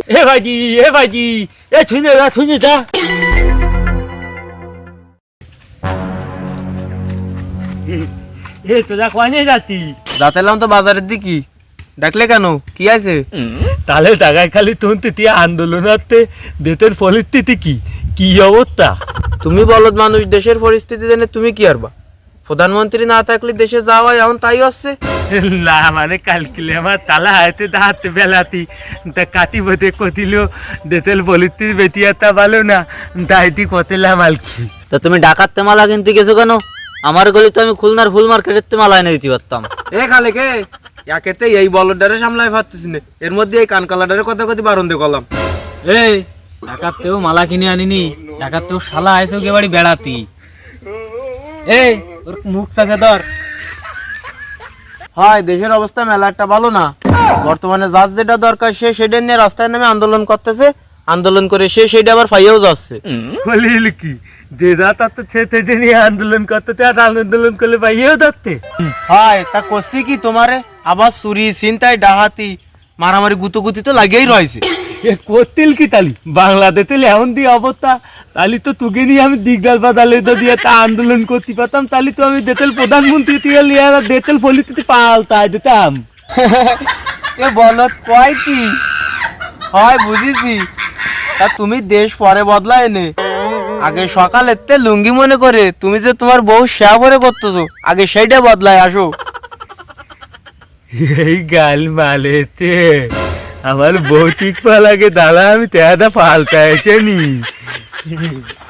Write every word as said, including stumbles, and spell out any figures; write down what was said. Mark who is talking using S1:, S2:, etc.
S1: এ ভাইজি এ ভাইজি এ শুনে যা শুনে যা এ তোরা কোয়ানে যাচ্ছি?
S2: যাতেলাম তো বাজারের দিকে। ডাকলে কেন, কি আছে?
S1: তাহলে টাকায় খালি তুই আন্দোলনাতে দেশের পরিস্থিতি কি কি অবস্থা?
S2: তুমি বলদ মানুষ, দেশের পরিস্থিতি জেনে তুমি কি আরবা? প্রধানমন্ত্রী না থাকলে দেশে যাওয়া এখন তাই হচ্ছে।
S1: না মানে কালকিলে আমার তালা হাতে দাঁত বেলাতি তা কাটি বোধে কতিল দেশের পরিস্থিতি বেটিয়াতা ভালো না তাইটি কতেলাম আর কি।
S3: তা তুমি ডাকাতে মালা কিনতে গেছো কেন? আমার গলি তো আমি খুলনার ফুল মার্কেটের মালা এনে দিতে পারতাম।
S2: এ খালে কে একেতে এই বলডারে সামলাই পারতেছি না, এর মধ্যে এই কানকালাডারে কথা কথা বারণ দিয়ে করলাম।
S3: এই ডাকাতেও মালা কিনে আনিনি, ডাকাতেও শালা আইসো কে বাড়ি বেড়াতি। এই ওর মুখ চাকে ধর।
S2: হয় দেশের অবস্থা মেলা একটা ভালো না। বর্তমানে যার যেটা দরকার সে সেটা নিয়ে রাস্তায় নামে আন্দোলন করতেছে, আন্দোলন করে সে সেটা আবার ফাইয়াও যাচ্ছে।
S1: বলিল কি দেদা তা তো ছেতে নিয়ে আন্দোলন করতে আর আন্দোলন করলে পাইয়েও ধরতে
S2: হয় তা করছি কি তোমারে? আবার চুরি ছিনতাই ডাহাতি মারামারি গুতুগুতি তো লাগেই রয়েছে।
S1: এ করতিল কি তালি বাংলাদেশে এমন দিয়ে অবস্থা, তালি তো তুকে নিয়ে আমি দিগদাল বাদালে তো দিয়ে তা আন্দোলন করতে পারতাম, তালি তো আমি দেতেল প্রধানমন্ত্রী দিয়ে লিয়ে দেতেল পলিটিতে পাল্টাই দিতাম।
S2: এ বলত কয় কি হয় বুঝিছি। তা তুমি দেশ পরে বদলায় নে, আগে সকালে তে লুঙ্গি মনে করে তুমি যে তোমার বউ শেয়া করে করতেছো, আগে সেইটা বদলায় আসো।
S1: এই গাল মালেতে আমার বৌটিক পা লাগে দাদা আমি তেহাদা পাল্টাইছে নি।